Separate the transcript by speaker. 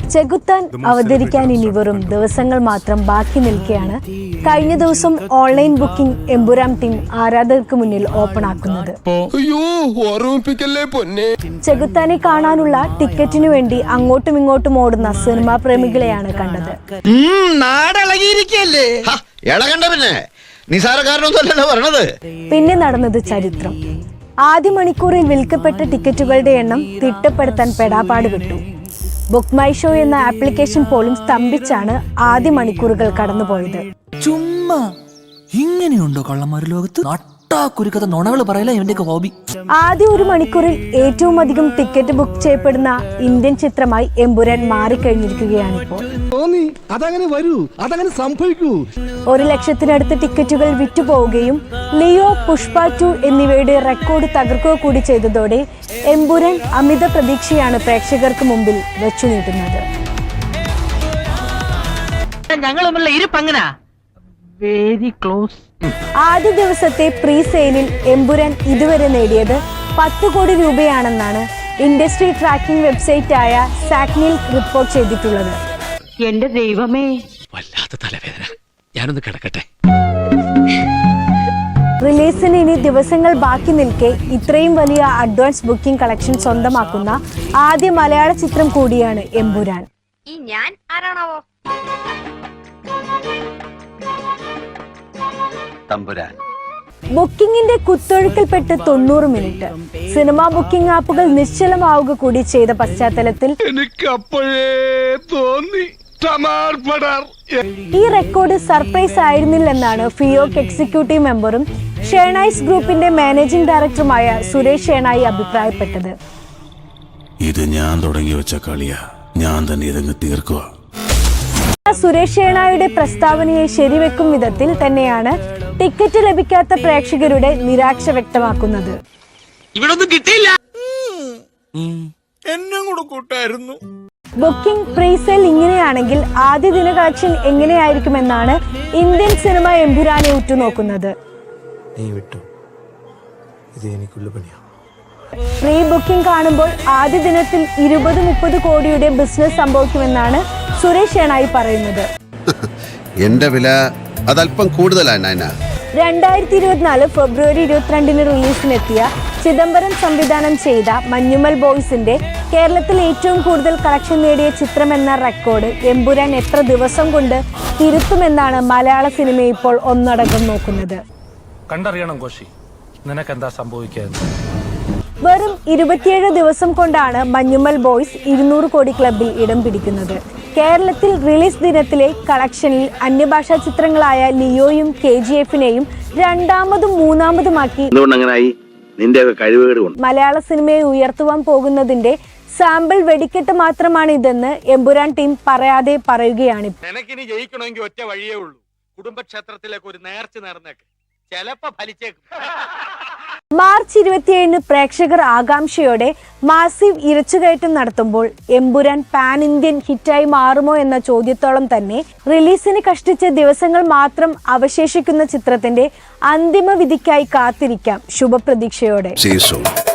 Speaker 1: ചെകുത്താൻ അവതരിക്കാൻ ഇനി വെറും ദിവസങ്ങൾ മാത്രം ബാക്കി നിൽക്കെയാണ് കഴിഞ്ഞ ദിവസം ഓൺലൈൻ ബുക്കിംഗ് എമ്പുരാൻ ടീം ആരാധകർക്ക് മുന്നിൽ ഓപ്പൺ ആക്കുന്നത്. ചെകുത്താനെ കാണാനുള്ള ടിക്കറ്റിനു വേണ്ടി അങ്ങോട്ടും ഇങ്ങോട്ടും ഓടുന്ന സിനിമാ പ്രേമികളെയാണ് കണ്ടത്. പിന്നെ നടന്നത് ചരിത്രം. ആദ്യ മണിക്കൂറിൽ വിൽക്കപ്പെട്ട ടിക്കറ്റുകളുടെ എണ്ണം തിട്ടപ്പെടുത്താൻ പെടാപ്പാട് വിട്ടു. ബുക്ക് മൈ ഷോ എന്ന ആപ്ലിക്കേഷൻ പോലും സ്തംഭിച്ചാണ് ആദ്യ മണിക്കൂറുകൾ കടന്നുപോയത്.
Speaker 2: ചുമ്മാ ഇങ്ങനെയുണ്ടോ കള്ളന്മാർ ലോകത്ത്? കുരുക്കഥ നുണകൾ പറയല ഇവന്റെയൊക്കെ ഹോബി.
Speaker 1: ആദ്യ ഒരു മണിക്കൂറിൽ ഏറ്റവും അധികം ടിക്കറ്റ് ബുക്ക് ചെയ്യപ്പെടുന്ന ഇന്ത്യൻ ചിത്രമായി എമ്പുരാൻ മാറിക്കഴിഞ്ഞിരിക്കുകയാണിപ്പോൾ. 1,00,000-ത്തിനടുത്ത് ടിക്കറ്റുകൾ വിറ്റുപോവുകയും ലിയോ, പുഷ്പ 2 എന്നിവയുടെ റെക്കോർഡ് തകർക്കുക കൂടി ചെയ്തതോടെ എമ്പുരാൻ അമിത പ്രതീക്ഷയാണ് പ്രേക്ഷകർക്ക് മുമ്പിൽ വെച്ചു നീട്ടുന്നത്. ആദ്യ ദിവസത്തെ പ്രീ സെയിലിൽ എമ്പുരാൻ ഇതുവരെ നേടിയത് 10 കോടി രൂപയാണെന്നാണ് ഇൻഡസ്ട്രി ട്രാക്കിംഗ് വെബ്സൈറ്റ് ആയ സാക്നിൽ റിപ്പോർട്ട് ചെയ്തിട്ടുള്ളത്.
Speaker 3: എന്റെ ദൈവമേ,
Speaker 4: വല്ലാത്ത തലവേദന. ഞാനൊന്ന് കിടക്കട്ടെ.
Speaker 1: റിലീസിന് ഇനി ദിവസങ്ങൾ ബാക്കി നിൽക്കെ ഇത്രയും വലിയ അഡ്വാൻസ് ബുക്കിംഗ് കളക്ഷൻ സ്വന്തമാക്കുന്ന ആദ്യ മലയാള ചിത്രം കൂടിയാണ് എമ്പുരാൻ. ബുക്കിംഗിന്റെ കുത്തൊഴുക്കിൽപ്പെട്ട് 90 മിനിറ്റ് സിനിമാ ബുക്കിംഗ് ആപ്പുകൾ നിശ്ചലമാവുക കൂടി ചെയ്ത പശ്ചാത്തലത്തിൽ ഈ റെക്കോർഡ് സർപ്രൈസ് ആയിരുന്നില്ലെന്നാണ് ഫിയോക് എക്സിക്യൂട്ടീവ് മെമ്പറും ഷേണായ്സ് ഗ്രൂപ്പിന്റെ മാനേജിംഗ് ഡയറക്ടറുമായ സുരേഷ് ഷേണായി അഭിപ്രായപ്പെട്ടത്.
Speaker 5: ഇത് ഞാൻ തുടങ്ങി വെച്ച കളിയാ, ഞാൻ തന്നെ ഇതങ്ങ് തീർക്കുക.
Speaker 1: സുരേഷ് ഷേണായുടെ പ്രസ്താവനയെ ശരിവെക്കും വിധത്തിൽ തന്നെയാണ് ടിക്കറ്റ് ലഭിക്കാത്ത പ്രേക്ഷകരുടെ നിരാശ വ്യക്തമാക്കുന്നത്. ബുക്കിംഗ് പ്രീസെയിൽ ഇങ്ങനെയാണെങ്കിൽ ആദ്യ ദിന കളക്ഷൻ എങ്ങനെയായിരിക്കുമെന്നാണ് ഇന്ത്യൻ സിനിമ എമ്പുരാനെ ഉറ്റുനോക്കുന്നത്. പ്രീ ബുക്കിംഗ് കാണുമ്പോൾ ആദ്യ ദിനത്തിൽ 20-30 കോടിയുടെ ബിസിനസ് സംഭവിക്കുമെന്നാണ് സുരേഷ് ഷേണായി പറയുന്നത്.
Speaker 5: എന്റെ വില അതല്പം കൂടുതലാണ്.
Speaker 1: 2024 ഫെബ്രുവരി 22 റിലീസിനെത്തിയ ചിദംബരം സംവിധാനം ചെയ്ത മഞ്ഞുമൽ ബോയ്സിന്റെ കേരളത്തിൽ ഏറ്റവും കൂടുതൽ കളക്ഷൻ നേടിയ ചിത്രമെന്ന റെക്കോർഡ് എമ്പുരാൻ എത്ര ദിവസം കൊണ്ട് തിരുത്തുമെന്നാണ് മലയാള സിനിമ ഇപ്പോൾ ഒന്നടങ്കം നോക്കുന്നത്.
Speaker 6: കണ്ടറിയണം കോശി, നിനക്കെന്താ സംഭവിക്കുക?
Speaker 1: വെറും 27 ദിവസം കൊണ്ടാണ് മഞ്ഞുമൽ ബോയ്സ് 200 കോടി ക്ലബിൽ ഇടം പിടിക്കുന്നത്. കേരളത്തിൽ റിലീസ് ദിനത്തിലെ കളക്ഷനിൽ അന്യഭാഷാ ചിത്രങ്ങളായ ലിയോയും KGF-നെയും രണ്ടാമതും മൂന്നാമതുമാക്കി മലയാള സിനിമയെ ഉയർത്തുവാൻ പോകുന്നതിന്റെ സാമ്പിൾ വെടിക്കെട്ട് മാത്രമാണ് ഇതെന്ന് എമ്പുരാൻ ടീം പറയാതെ പറയുകയാണ്.
Speaker 4: ഒറ്റ വഴിയേ ഉള്ളൂ, കുടുംബക്ഷേത്രത്തിലേക്ക് ഒരു നേർച്ച നേർന്നേക്ക്, ചിലപ്പോ ഫലിച്ചേക്കും.
Speaker 1: മാർച്ച് 27 പ്രേക്ഷകർ ആകാംക്ഷയോടെ മാസീവ് ഇരച്ചുകയറ്റം നടത്തുമ്പോൾ എമ്പുരാൻ പാൻ ഇന്ത്യൻ ഹിറ്റായി മാറുമോ എന്ന ചോദ്യത്തോളം തന്നെ റിലീസിന് കഷ്ടിച്ച ദിവസങ്ങൾ മാത്രം അവശേഷിക്കുന്ന ചിത്രത്തിന്റെ അന്തിമ വിധിക്കായി കാത്തിരിക്കാം ശുഭപ്രതീക്ഷയോടെ.